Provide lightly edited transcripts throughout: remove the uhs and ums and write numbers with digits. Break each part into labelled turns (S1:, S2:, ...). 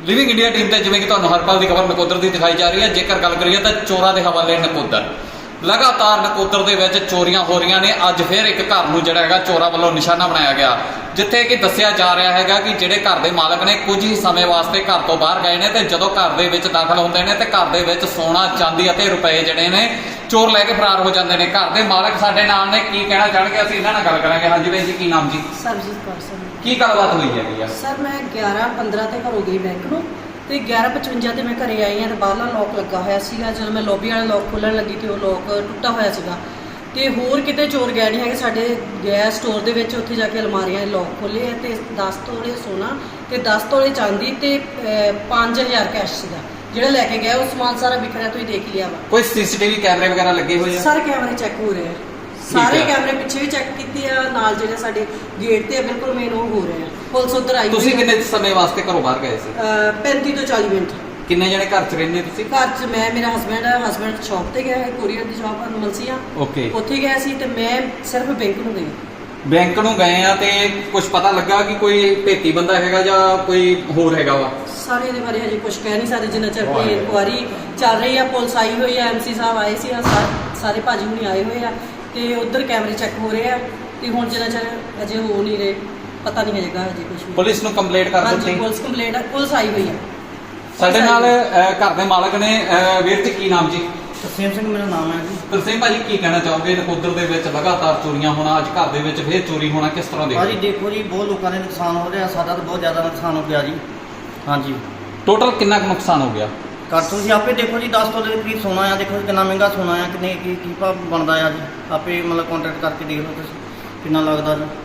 S1: Living India team ਤੇ ਜਿਵੇਂ ਕਿ ਤੁਹਾਨੂੰ ਹਰ ਪਲ ਦੀ ਖਬਰ ਨਕੋਦਰ ਦੀ ਦਿਖਾਈ ਜਾ ਰਹੀ ਹੈ। ਜੇਕਰ ਗੱਲ ਕਰੀਏ ਤਾਂ ਚੋਰਾਂ ਦੇ ਹਵਾਲੇ ਨਕੋਦਰ, ਲਗਾਤਾਰ ਨਕੋਦਰ ਦੇ ਵਿੱਚ ਚੋਰੀਆਂ ਹੋ ਰਹੀਆਂ ਨੇ। ਅੱਜ ਫਿਰ ਇੱਕ ਘਰ ਨੂੰ ਜਿਹੜਾ ਹੈਗਾ ਚੋਰਾਂ ਵੱਲੋਂ ਨਿਸ਼ਾਨਾ ਬਣਾਇਆ ਗਿਆ, ਜਿੱਥੇ ਕਿ ਦੱਸਿਆ ਜਾ ਰਿਹਾ ਹੈਗਾ ਕਿ ਜਿਹੜੇ ਘਰ ਦੇ ਮਾਲਕ ਨੇ ਕੁਝ ਹੀ ਸਮੇਂ ਵਾਸਤੇ ਘਰ ਤੋਂ ਬਾਹਰ ਗਏ ਨੇ ਤੇ ਜਦੋਂ ਘਰ ਦੇ ਵਿੱਚ ਦਾਖਲ ਹੁੰਦੇ ਨੇ ਤੇ ਘਰ ਦੇ ਵਿੱਚ ਸੋਨਾ, ਚਾਂਦੀ ਅਤੇ ਰੁਪਏ ਜਿਹੜੇ ਨੇ ਚੋਰ ਲੈ ਕੇ ਫਰਾਰ ਹੋ ਜਾਂਦੇ ਨੇ। ਘਰ ਦੇ ਮਾਲਕ ਸਾਡੇ ਨਾਲ ਨੇ, ਕੀ ਕਹਿਣਾ ਚਾਹਣਗੇ ਅਸੀਂ ਇਹਨਾਂ ਨਾਲ ਗੱਲ ਕਰਾਂਗੇ। ਹਾਂਜੀ ਬਾਈ ਜੀ, ਕੀ ਨਾਮ ਜੀ?
S2: ਸਰਬਜੀਤ ਕੌਰ ਸਰ।
S1: ਕੀ ਗੱਲਬਾਤ ਹੋਈ ਹੈਗੀ ਆ?
S2: ਸਰ ਮੈਂ 11:15 ਤੇ ਘਰੋਂ ਗਈ ਬੈਂਕ ਨੂੰ ਤੇ 11:55 ਤੇ ਮੈਂ ਘਰੇ ਆਈ ਹਾਂ ਤੇ ਬਾਹਰਲਾ ਲੋਕ ਲੱਗਾ ਹੋਇਆ ਸੀਗਾ। ਜਦੋਂ ਮੈਂ ਲੌਬੀ ਵਾਲਾ ਲੋਕ ਖੋਲ੍ਹਣ ਲੱਗੀ ਤੇ ਉਹ ਲੋਕ ਟੁੱਟਾ ਹੋਇਆ ਸੀਗਾ ਤੇ ਹੋਰ ਕਿਤੇ ਚੋਰ ਗਏ ਨਹੀਂ ਹੈਗੇ। ਸਾਡੇ ਗੈਸ ਸਟੋਰ ਦੇ ਵਿੱਚ ਉੱਥੇ ਜਾ ਕੇ ਅਲਮਾਰੀਆਂ ਦੇ ਲੋਕ ਖੋਲ੍ਹੇ ਆ ਤੇ 10 ਤੋਲੇ ਸੋਨਾ ਤੇ 10 ਤੋਲੇ ਚਾਂਦੀ ਤੇ 5000 ਕੈਸ਼ ਸੀਗਾ ਜਿਹੜਾ ਲੈ ਕੇ ਗਿਆ। ਉਹ ਸਮਾਨ ਸਾਰਾ ਵਿਖਰਿਆ, ਤੁਸੀਂ ਦੇਖ ਲਿਆ ਵਾ।
S1: ਕੋਈ ਸੀਸੀਟੀਵੀ ਕੈਮਰੇ ਵਗੈਰਾ ਲੱਗੇ ਹੋਏ ਆ?
S2: ਸਾਰੇ ਕੈਮਰੇ ਚੈੱਕ ਹੋ ਰਹੇ ਆ, ਸਾਰੇ ਕੈਮਰੇ ਪਿੱਛੇ ਵੀ ਚੈੱਕ ਕੀਤੇ ਆ, ਨਾਲ ਜਿਹੜੇ ਸਾਡੇ ਗੇਟ ਤੇ ਆ ਬਿਲਕੁਲ ਮੇਨ ਉਹ ਹੋ ਰਹੇ ਆ। ਪੁਲਿਸ ਉੱਧਰ ਆਈ।
S1: ਤੁਸੀਂ ਕਿੰਨੇ ਸਮੇਂ ਵਾਸਤੇ ਘਰੋਂ ਬਾਹਰ ਗਏ ਸੀ?
S2: 35 ਤੋਂ 40 ਮਿੰਟ।
S1: ਕਿੰਨੇ ਜਣੇ ਘਰ 'ਚ ਰਹਿੰਦੇ ਤੁਸੀਂ?
S2: ਘਰ 'ਚ ਮੈਂ, ਮੇਰਾ ਹਸਬੈਂਡ ਸ਼ਾਪ ਤੇ ਗਿਆ ਹੈ, ਕੋਰੀਅਰ ਦੀ ਸ਼ਾਪ ਆ ਮਲਸੀਆਂ,
S1: ਓਕੇ।
S2: ਉੱਥੇ ਗਿਆ ਸੀ ਤੇ ਮੈਂ ਸਿਰਫ ਬੈਂਕ ਨੂੰ ਗਈ।
S1: ਬੈਂਕ ਨੂੰ ਗਏ ਆ ਤੇ ਕੁਝ ਪਤਾ ਲੱਗਾ ਕਿ ਕੋਈ ਭੇਤੀ ਬੰਦਾ ਹੈਗਾ ਜਾਂ ਕੋਈ ਹੋਰ ਹੈਗਾ ਵਾ?
S2: ਸਾਰੇ ਇਹਦੇ ਬਾਰੇ ਹਜੇ ਕੁਝ ਕਹਿ ਨਹੀਂ ਸਕਦੇ ਜਿੰਨਾ ਚਿਰ ਕੋਈ ਇਨਕੁਆਰੀ ਚੱਲ ਰਹੀ ਆ। ਪੁਲਿਸ ਆਈ ਹੋਈ ਆ, MC ਸਾਹਿਬ ਆਏ ਸੀ, ਸਾਰੇ ਭਾਜੀ ਹੁਣੀ ਆਏ ਹੋਏ ਆ ਤੇ ਉਧਰ ਕੈਮਰੇ ਚੈੱਕ ਹੋ ਰਹੇ ਆ ਤੇ ਹੁਣ ਜਿੰਨਾ ਚਿਰ ਅਜੇ ਹੋ ਨਹੀਂ ਰਹੇ, ਪਤਾ ਨਹੀਂ ਹੈਗਾ ਹਜੇ ਕੁਝ ਵੀ।
S1: ਪੁਲਿਸ ਨੂੰ ਕੰਪਲੇਂਟ ਕਰ ਦਿੱਤੀ?
S2: ਹਾਂਜੀ, ਪੁਲਿਸ ਕੰਪਲੇਂਟ, ਪੁਲਿਸ ਆਈ ਹੋਈ ਆ।
S1: ਸਾਡੇ ਨਾਲ ਘਰ ਦੇ ਮਾਲਕ ਨੇ। ਵੀਰ ਜੀ, ਕੀ ਨਾਮ ਜੀ?
S3: ਤਰਸੇਮ ਸਿੰਘ ਮੇਰਾ ਨਾਮ ਹੈ ਜੀ।
S1: ਤਰਸੇਮ ਭਾਜੀ, ਕੀ ਕਹਿਣਾ ਚਾਹੋਗੇ? ਨਕੋਦਰ ਦੇ ਵਿੱਚ ਲਗਾਤਾਰ ਚੋਰੀਆਂ ਹੋਣਾ, ਅੱਜ ਘਰ ਦੇ ਵਿੱਚ ਫੇਰ ਚੋਰੀ ਹੋਣਾ, ਕਿਸ ਤਰ੍ਹਾਂ
S3: ਭਾਜੀ
S1: ਦੇਖਦੇ?
S3: ਦੇਖੋ ਜੀ, ਬਹੁਤ ਲੋਕਾਂ ਦੇ ਨੁਕਸਾਨ ਹੋ ਰਿਹਾ, ਸਾਡਾ ਤਾਂ ਬਹੁਤ ਜ਼ਿਆਦਾ ਨੁਕਸਾਨ ਹੋ ਗਿਆ ਜੀ। ਹਾਂਜੀ,
S1: ਟੋਟਲ ਕਿੰਨਾ ਕੁ ਨੁਕਸਾਨ ਹੋ ਗਿਆ?
S3: ਕਰ ਤੁਸੀਂ ਆਪੇ ਦੇਖੋ ਜੀ, 10 ਤੋਲੇ ਦੇ ਕਰੀਬ ਸੋਨਾ ਆ। ਦੇਖੋ ਕਿੰਨਾ ਮਹਿੰਗਾ ਸੋਨਾ ਆ, ਕਿੰਨੇ ਕੀ ਭਾਅ ਬਣਦਾ ਆ ਜੀ। ਆਪੇ ਮਤਲਬ ਕੰਟੈਕਟ ਕਰਕੇ ਦੇਖ ਲਓ ਤੁਸੀਂ ਕਿੰਨਾ ਲੱਗਦਾ ਜੀ।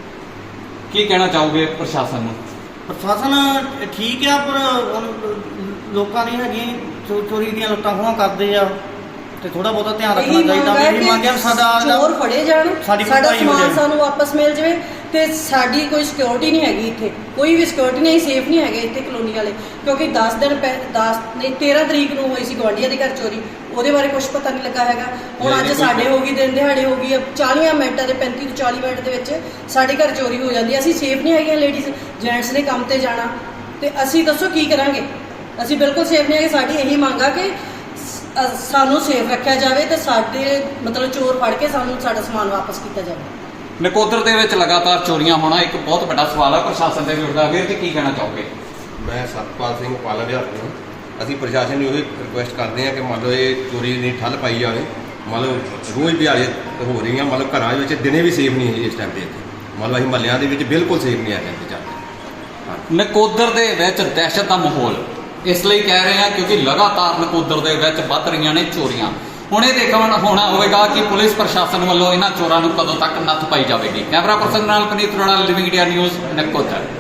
S1: ਕੀ ਕਹਿਣਾ ਚਾਹੋਗੇ ਪ੍ਰਸ਼ਾਸਨ ਨੂੰ?
S3: ਪ੍ਰਸ਼ਾਸਨ ਠੀਕ ਆ, ਪਰ ਹੁਣ ਲੋਕਾਂ ਦੀ ਹੈਗੀ ਚੋਰੀ ਦੀਆਂ ਲੁੱਟਾਂ ਖੋਹਾਂ ਕਰਦੇ ਆ ਤੇ ਥੋੜਾ ਬਹੁਤਾ ਧਿਆਨ ਰੱਖਣਾ ਚਾਹੀਦਾ। ਮੇਰੀ ਮੰਗ ਹੈ ਸਾਡਾ
S2: ਚੋਰ ਫੜੇ ਜਾਣ,
S3: ਸਾਡੀ
S2: ਸਾਡਾ
S3: ਭਰਪਾਈ ਹੋ
S2: ਸਮਾਨ
S3: ਜਾਏ।
S2: ਸਾਨੂੰ ਵਾਪਸ ਮਿਲ ਜਾਵੇ ਤੇ ਸਾਡੀ ਕੋਈ ਸਿਕਿਉਰਿਟੀ ਨਹੀਂ ਹੈਗੀ ਇੱਥੇ, ਕੋਈ ਵੀ ਸਿਕਿਉਰਿਟੀ ਨਹੀਂ, ਸੇਫ ਨਹੀਂ ਹੈਗੇ ਇੱਥੇ ਕਲੋਨੀ ਵਾਲੇ। ਕਿਉਂਕਿ 10 ਦਿਨ 13 ਤਰੀਕ ਨੂੰ ਹੋਈ ਸੀ ਗੁਆਂਢੀਆਂ ਦੇ ਘਰ ਚੋਰੀ, ਉਹਦੇ ਬਾਰੇ ਕੁਝ ਪਤਾ ਨਹੀਂ ਲੱਗਾ ਹੈਗਾ। ਹੁਣ ਅੱਜ ਸਾਡੇ ਹੋ ਗਈ, ਦਿਨ ਦਿਹਾੜੇ ਹੋ ਗਈ, 40 ਮਿੰਟਾਂ ਦੇ 35 ਤੋਂ 40 ਮਿੰਟ ਦੇ ਵਿੱਚ ਸਾਡੇ ਘਰ ਚੋਰੀ ਹੋ ਜਾਂਦੀ ਹੈ। ਅਸੀਂ ਸੇਫ ਨਹੀਂ ਹੈਗੀਆਂ, ਲੇਡੀਜ਼ ਜੈਂਟਸ ਨੇ ਕੰਮ ਤੇ ਜਾਣਾ ਤੇ ਅਸੀਂ ਦੱਸੋ ਕੀ ਕਰਾਂਗੇ? ਅਸੀਂ ਬਿਲਕੁਲ ਸੇਫ ਨਹੀਂ ਹੈਗੇ। ਸਾਡੀ ਇਹੀ ਮੰਗ ਆ ਕਿ ਸਾਨੂੰ ਸੇਫ ਰੱਖਿਆ ਜਾਵੇ ਤੇ ਸਾਡੇ ਮਤਲਬ ਚੋਰ ਫੜ ਕੇ ਸਾਨੂੰ ਸਾਡਾ ਸਮਾਨ ਵਾਪਸ ਕੀਤਾ ਜਾਵੇ।
S1: ਨਕੋਦਰ ਦੇ ਵਿੱਚ ਲਗਾਤਾਰ ਚੋਰੀਆਂ ਹੋਣਾ ਇੱਕ ਬਹੁਤ ਵੱਡਾ ਸਵਾਲ ਹੈ, ਪ੍ਰਸ਼ਾਸਨ ਤੇ ਵੀ ਉੱਠਦਾ। ਵੀਰ ਜੀ, ਕੀ ਕਹਿਣਾ ਚਾਹੋਗੇ?
S4: ਮੈਂ ਸਤਪਾਲ ਸਿੰਘ ਪਾਲਾ ਵਿਹਾਰ ਤੋਂ। ਅਸੀਂ ਪ੍ਰਸ਼ਾਸਨ ਨੂੰ ਇਹ ਰਿਕੁਐਸਟ ਕਰਦੇ ਹਾਂ ਕਿ ਮੰਨ ਲਓ ਇਹ ਚੋਰੀ ਦੀ ਠੱਲ ਪਾਈ ਜਾਵੇ। ਮੰਨ ਲਓ ਰੋਜ਼ ਦਿਹਾੜੇ ਹੋ ਰਹੀਆਂ, ਮਤਲਬ ਘਰਾਂ ਵਿੱਚ ਦਿਨੇ ਵੀ ਸੇਫ ਨਹੀਂ ਹੈ ਇਸ ਟਾਈਮ 'ਤੇ। ਇੱਥੇ ਮੰਨ ਲਓ ਅਸੀਂ ਮਹੱਲਿਆਂ ਦੇ ਵਿੱਚ ਬਿਲਕੁਲ ਸੇਫ ਨਹੀਂ ਆ ਟਾਈਮ 'ਤੇ ਚੱਲਦੇ।
S1: ਨਕੋਦਰ ਦੇ ਵਿੱਚ ਦਹਿਸ਼ਤ ਦਾ ਮਾਹੌਲ ਇਸ ਲਈ ਕਹਿ ਰਹੇ ਹਾਂ ਕਿਉਂਕਿ ਲਗਾਤਾਰ ਨਕੋਦਰ ਦੇ ਵਿੱਚ ਵੱਧ ਰਹੀਆਂ ਨੇ ਚੋਰੀਆਂ। ਹੁਣ ਇਹ ਦੇਖਣਾ ਹੋਣਾ ਹੋਵੇਗਾ ਕਿ ਪੁਲਿਸ ਪ੍ਰਸ਼ਾਸਨ ਵੱਲੋਂ ਇਹਨਾਂ ਚੋਰਾਂ ਨੂੰ ਕਦੋਂ ਤੱਕ ਨੱਥ ਪਾਈ ਜਾਵੇਗੀ। ਕੈਮਰਾ ਪਰਸਨ ਨਾਲ ਪਨੀਤ ਰੋਣਾ, ਲਿਵਿੰਗ ਇੰਡੀਆ ਨਿਊਜ਼, ਨਕੋਦਰ।